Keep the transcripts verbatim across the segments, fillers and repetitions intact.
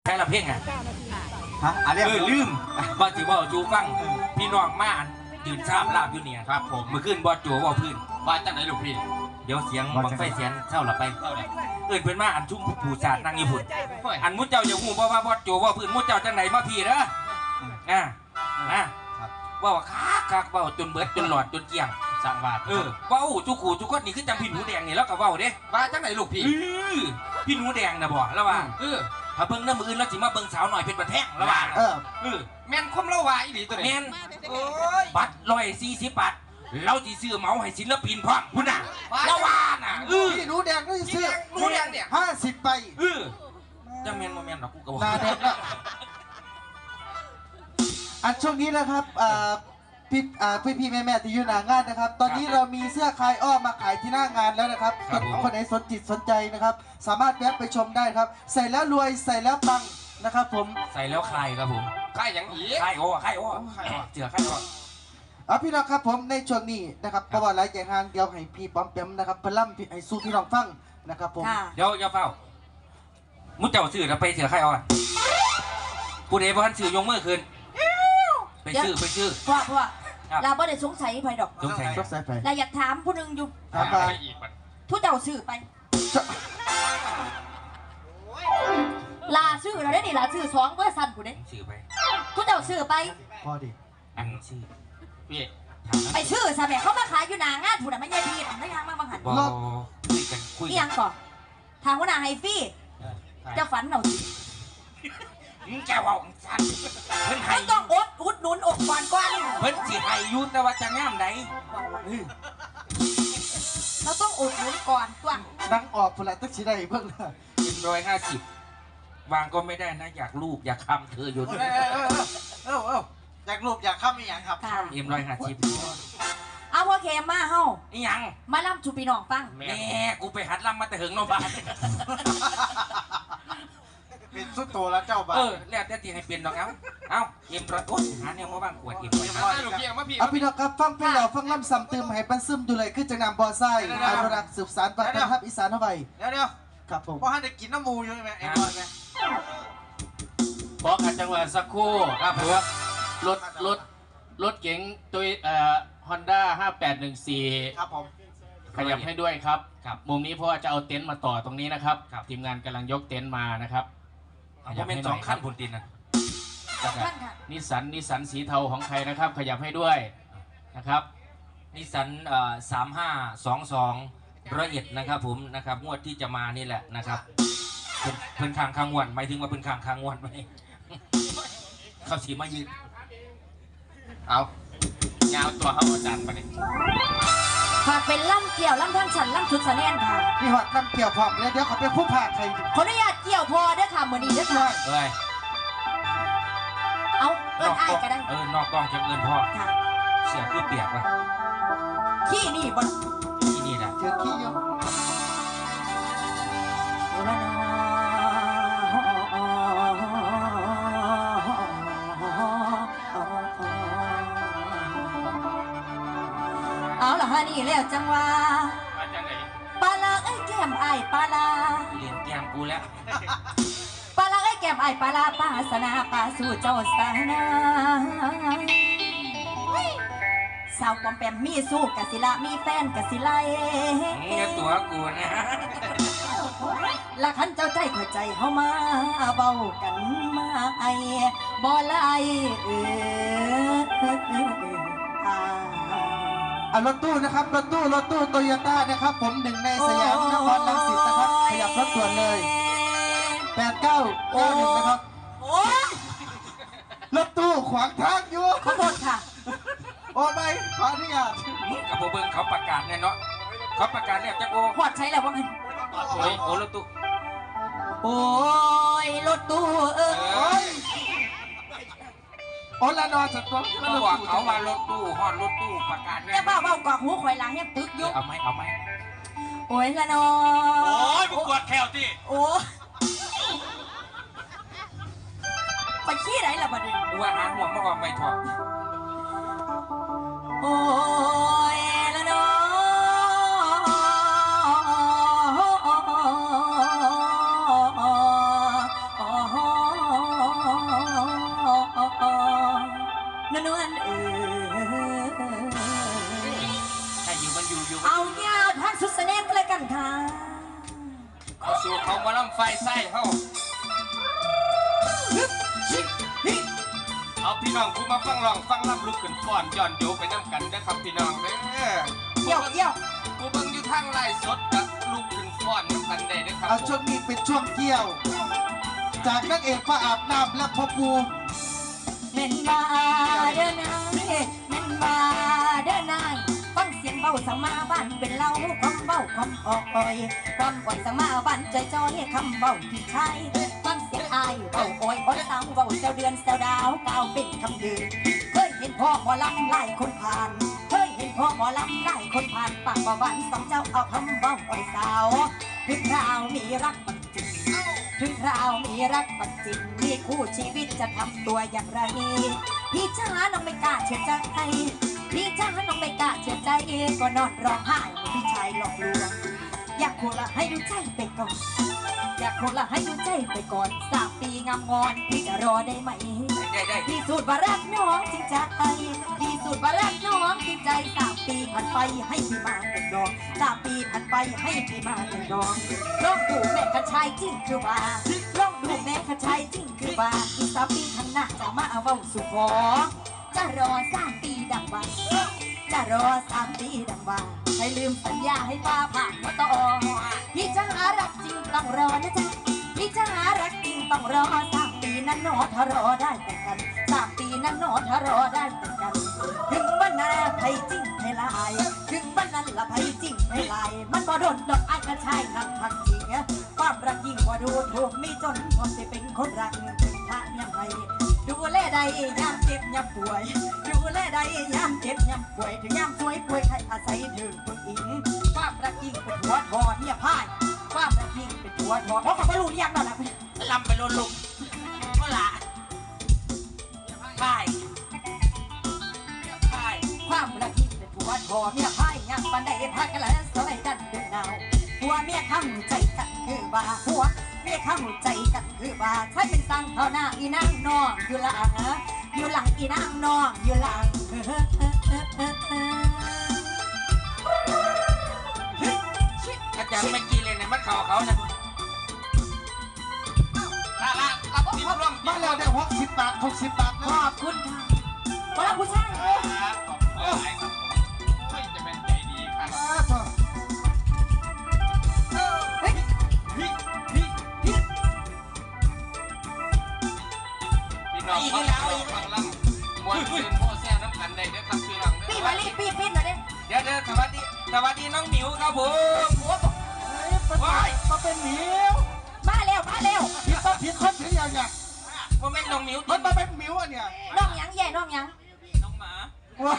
แค่ละเพ่งอ่ะฮะอะไรเออลืมบอจิว่าจูฟังพี่น้องมายืนชาบลาบอยู่เนี่ยครับผมเมื่อคืนบอจูว่าพื้นว่าจังไหนลูกพี่เดี๋ยวเสียงบังไฟเสียงเท่าละไปเอิญเป็นมาอันชุ่มผู้ชาตินั่งอยู่พุ่นอันมุดเจ้าอย่าหูเพราะว่าบอจูว่าพื้นมุดเจ้าจังไหนมาพี่เด้ออ่าอ่าว่าว่าคักคักว่าจนเบิดจนหลอดจนเกี่ยงสร้างบาทเออว่าอู้จุกขู่จุกคนนี่คือจังพี่หนูแดงนี่แล้วก็ว่าเด้ว่าจังไหนลูกพี่พี่หนูแดงนะบ่แล้วว่าเออถ้าเบิ่งน้ำมืออื่นแล้วสิมาเบิ่งสาวหน่อยเป็นประแท่งแล้วว่าเออเออแม่นคมเล่าว่าอีหลีตัวนี้แม่นบัตรร้อยสี่สิบบาทเราสิซื้อเหมาให้ศิลปินพร้อมพุ่นน่ะแล้วว่าน่ะเออพี่หนูแดงก็ซื้อหนูแดงเนี่ยห้าสิบใบเออจังแม่นบ่แม่นดอกกูก็บ่นาแดงละอันช่วงนี้นะครับพี่พี่พี่แม่แม่ที่อยู่หน้างานนะครับตอนนี้เรามีเสื้อคลายอ้อมมาขายที่หน้างานแล้วนะครับคนไหนสนจิตสนใจนะครับสามารถแวะไปชมได้ครับใส่แล้วรวยใส่แล้วปังนะครับผมใส่แล้วคลายครับผมคลายอย่างอีคลายโอ้คลายโอ้เจือคลายโอ้เอาพี่น้องครับผมในช่วงนี้นะครับประวัติหลายอย่างทางเดียวให้พี่ป้อมเปียมนะครับพลัมให้สู้พี่น้องฟังนะครับผมเดี๋ยวอย่าเฝ้ามุดเจ้าซื้อแล้วไปเสือคลายอ้อผู้ใดบ่ทันซื้อยงมือคืนไปซื้อไปซื้อเพราะเพราะเราไม่ได้สงสัยไปดอกสงสัยสงสัยไปเราอยากถามผู้หนึ่งอยู่ถามไปทุกเจ้าซื้อไปลาซื้อเราได้ดิลาซื้อสองเบอร์สั้นกูเด้ซื้อไปทุกเจ้าซื้อไปพอดีอันซื้อพี่ไปซื้อซะแม่เขามาขายอยู่หน้างานผู้ใดไม่ใช่พี่ไม่ทางมาบังหันคุยกันคุยยังก่อนทางหัวหน้าไฮฟี่เจ้าฝันเรามึงแกว่าสันเพิ่นให้ต้องอดอุดหนุนอกก่อนก่อนเพิ่นสิให้ยุแต่ว่าจะงามใดเราต้องอุดหนุนก่อนตัวนั่งออกพลังตึกชีได้เพิ่งเป็นร้อยห้าสิบวางก็ไม่ได้นะอยากรูปอยากคำเธออยู่เออเออเอออยากรูปอยากข้ามอีหยังครับเอ็มร้อยห้าสิบเอาพ่อเคมมาเฮ้าอีหยังมาล่ำจูปีน้องฟังแม่กูไปหัดล่ำมาแต่หึงนบ้านเป็นสุดโตแล้วเจ้าบ้าเออแล้วแต่ที่ให้เปลี่ยนดอกเอ้าเอ้าเอ็มร้อยโอ๊ยหาเนี่ยมาบ้างขวดเอ็มร้อยเอาพี่น้องครับฟังเพลงเราฟังล่ำซ้ำเติมให้ปันซึมดูเลยขึ้นจากน้ำบ่อไส้อนุรักษ์สืบสานวัฒนธรรมอีสานเอาไว้เดี๋ยวเดี๋ยวครับผมเพราะท่านได้กินน้ำมูอยู่ใช่ไหมเอ็มร้อยไหมบอกขัดจังหวะสักครู่ครับผมรถรถรถเก๋งตัวเอ่อฮอนด้าห้าแปดหนึ่งสี่ครับผมขยับให้ด้วยครับครับมุมนี้เพราะว่าจะเอาเต็นท์มาต่อตรงนี้นะครับทีมงานกำลังยกเต็นท์มานะครับขยับให้สองขั้นบนตินนะนิสสันนิสสันสีเทาของใครนะครับขยับให้ด้วยนะครับนิสสันสามห้าสองสองร้อยเอ็ดนะครับผมนะครับงวดที่จะมานี่แหละนะครับเพิ่นข้างข้างงวดหมายถึงว่าเพิ่นข้างข้างงวดไหมเขาสีมายืนเอาเงาตัวเขาอาจารย์ไปเลยหากเป็นล่ำเกี่ยวล่ำท่านฉันล่ำชุดสะแนนค่ะนี่หอดล่ำเกี่ยวพร้อมเลยเดี๋ยวเขาไปคู่ผ่าใครขออนุญาตเกี่ยวพอเด้อค่ะมือนี้เด้อค่ะเอ้ยเอาเอิ้นอ้ายก็ได้เออนอกกล้องจะเอิ้นพ่อเสียคือเปียกว่ะขี้นี่บ่ขี้นี่นะเจอขี้เยอะเอาล่ะฮะนี่แล้วจังว่าปลาลาไอ้แก้มไอ้ปลาลาเลี้ยงแก้มกูแล้วปลาลาไอ้แก้มไอ้ปลาลาปลาสนาปลาสู่เจ้าสานาสาวปอมแปมมีสู้กะสิละมีแฟนกะสิไลเงี้ยตัวกูนะละขันเจ้าใจเข้าใจเฮามาเบากันมาไอ้บ่ไล่เออรถตู้นะครับรถตู้รถตู้โตโยต้านะครับผมหนึ่งในสยามนครรังสิตนะครับขยับรถด่วนเลยแปดเก้าเก้าหนึ่งนะครับรถตู้ขวางทางอยู่ขอโทษค่ะโอ้ไม่ขออนุญาตมึงกับโบเบิ้งเขาประกาศเนี่ยเนาะเขาประกาศเนี่ยจะโกหอดใช้แล้วว่าไงโอ้ยโอ้รถตู้โอ้ยรถตู้เอ้ยโอ้ละนอนสต๊อกเขาบอกเขาว่ารถตู้ฮอดรถตู้ประกาศเนี่ยแต่บ้าเบากอกหูข่อยหลังเนี่ยตึกยุเอาไหมเอาไหมโอ้ยละนอโอ้ยมึงกวดแถวสิโอ้ไปขี้ไหนล่ะบัดนี้ว่าหาหัวมาออกไม่ถอดโอ้ยละนอโอ้พี่น้องผู้มาฟังร้องฟังรำลุกขึ้นฟ้อนย้อนโยไปน้ำกันนะครับพี่น้องเด้อเยี่ยวเยี่ยวผู้เบิ่งอยู่ทางไลฟ์สดกับลุกขึ้นฟ้อนน้ำกันได้เด้อครับเอาช่วงนี้เป็นช่วงเกี่ยว จากนักเอกพระอาบน้ำและพ่อปูเม่นมาเด้อนายเม่นมาเด้อนายฟังเสียงเบาสังมาบ้านเป็นเล่าความเบาความออกอ่อยความก่อนสังมาบ้านใจจอยคำเบาที่ใช่ฟังเสียงอายเบาอ่อยอ่อนสาวเบาเซลเดือนเซลดาวก้าวเป็นคำยืนเคยเห็นพ่อหมอลำไล่คนผ่านเคยเห็นพ่อหมอลำไล่คนผ่านปากประวันสองเจ้าเอาคำเบาอ่อยสาวถึงคราวมีรักมันจริงถึงคราวมีรักมันจริงมีคู่ชีวิตจะทำตัวอย่างไรพี่จ้าน้องไม่กล้าเชื่อใจพี่จ้าน้องไม่กล้าเชื่อใจก็นอนร้องไห้พี่ชายหลอกลวงอยากโคละให้ดูใจไปก่อนอยากโคละให้ดูใจไปก่อนสามปีงามงอนพี่จะรอได้ไหมได้ได้พี่สูตรว่ารักน้องจริงใจพี่สูตรว่ารักน้องจริงใจสามปีผ่านไปให้พี่มาเป็นดอกสามปีผ่านไปให้พี่มาเป็นดอกลองดูแม่กระชายจริงคือว่าลองดูแม่กระชายจริงคือว่าอีกสามปีข้างหน้าจะมาเอาเว้าสู่ขอจะรอสามปีดังว่าจะรอสามปีดังว่าให้ลืมสัญญาให้ป้าผ่านมาต่อพี่จะหารักจริงต้องรอนะจ๊ะพี่จะหารักจริงต้องรอสามปีนั้นหนอถ้ารอได้แต่กันสามปีนั้นหนอถ้ารอได้แต่กัน ถึงวันนั้นไผจริงไผลายถึงวันนั้นละไผจริงไผลายมันบ่โดนดอกอายกระชายนั่งพักจริงความรักยิ่งกว่าดูถูกมีจนพอจะเป็นคนรักถึงพระยังไงดูแลใดยามเจ็บยามป่วยดูแลใดยามเจ็บยามป่วยถึงยามป่วยป่วยใครอาศัยถึงคนอิงความรักยิ่งเป็นหัวทอเนี่ยพ่ายความรักยิ่งเป็นหัวทอเพราะกับรู้ยังนั่นแหละลำไปลุลุกเมื่อละพ่ายพ่ายความรักยิ่งเป็นหัวทอเนี่ยพ่ายยังปันได้พักกันแล้วสมัยกันเป็นดาวหัวเมียข้ามใจกันคือว่าหัวเมียข้ามใจกันคือว่าใช้เป็นสังเท่าหน้าอีนางนองอยู่หลังอยู่หลังอีนางนองอยู่หลังอาจารย์เมื่อกี้เลยเนี่ยมันเข่าเขานะละละละพี่ร่วมมาแล้วได้หกสิบบาทหกสิบบาทขนะอบคุณค่ะขอบคุณชายครับขอบคุณหลายครับเฮ้ยจะเป็นใจดีครับอ้าวเถอะเฮ้ยพี่พี่พี่พี่น้องฟังเราฟังลำมวนคืนโม่แซ่น้ำกันได้เด้อครับพี่น้องเด้พี่อมาลีพี่พี่หน่อยดิเดี๋ยวเดี๋ยวสวัสดีสวัสดีน้องหมิวครับผมหัวบอกว้ายมาเป็นหมิวมาเร็วมาเร็วผิดต้องผิดคนถืออย่างเนี่ยว่าแม่นน้องหมิวมันมาเป็นหมิวอ่ะเนี่ยน้องหยังแย่น้องหยังน้องหมาว้า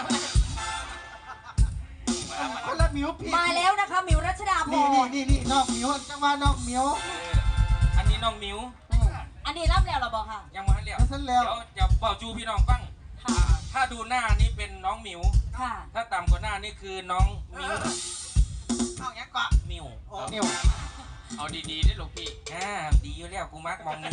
คนละหมิวพี่มาแล้วนะคะหมิวรัชดาพนี่รนี่นี่นี่น้องหมิวจังหวะน้องหมิวเอออันนี้น้องหมิวอันนี้รับแล้วเราบอกค่ะยังมาให้เรียกแล้วเสร็จแล้วเดี๋ยวจะบอกจูพี่น้องฟังค่ะถ้าดูหน้านี่เป็นน้องหมิวค่ะถ้าต่ำกว่าหน้านี่คือน้องมิวเอาอย่างเกาะมิวหมิวเอาดีๆได้ลูกพี่อ่าดีอยู่แล้วกูมักมองนี่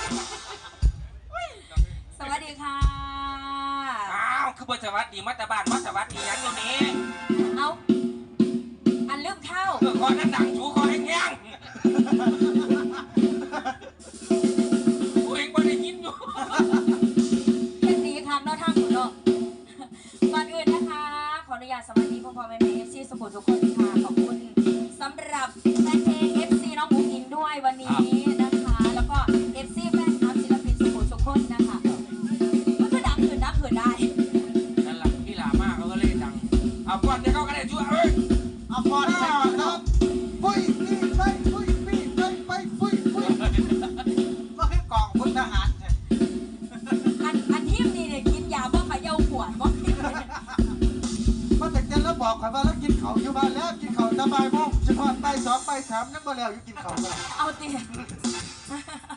สวัสดีค่ะอ้าวคือบทสวัสดีมัตตบานมัตตวัสดียังอยู่นี้เอาอันลืมเข้าเออคอนั้นดังชูคอแห้งๆกูเองไม่ได้ยินอยู่เรื่องนี้ค่ะนอกทางคุณเนาะก่อนอื่นนะคะ ขออนุญาตสวัสดีพ่อพ่อแม่แม่เอฟซีสุขุมทุกคนค่ะขอบคุณสำหรับแฟนเพลงเอฟซีน้องมุกอินด้วยวันนี้นะคะ แล้วก็เอฟซีแฟนคลับศิลปินสุขุมทุกคนนะคะมันก็ดังขึ้นดังขึ้นได้นั่นแหละพี่หลามากเขาก็เล่นดังเอาก่อนเดี๋ยวเขาก็ได้ช่วยเอ้ยเอาพอหน้าครับปุ้ยนี่ไปปุ้ยนี่ไปไปปุ้ยปุ้ยก็คือกองพลทหารเนี่ยอันอันทีมนี้เนี่ยกินยาบ้าขยาขวดบ้ามาแต่เจนแล้วบอกข่อยว่าแล้วกินเขาอยู่บ้านแล้วกินเขาสบายโมงเฉพาะไปสองไปสามนั่งบ่แล้วอยู่กินเขากันเอาตี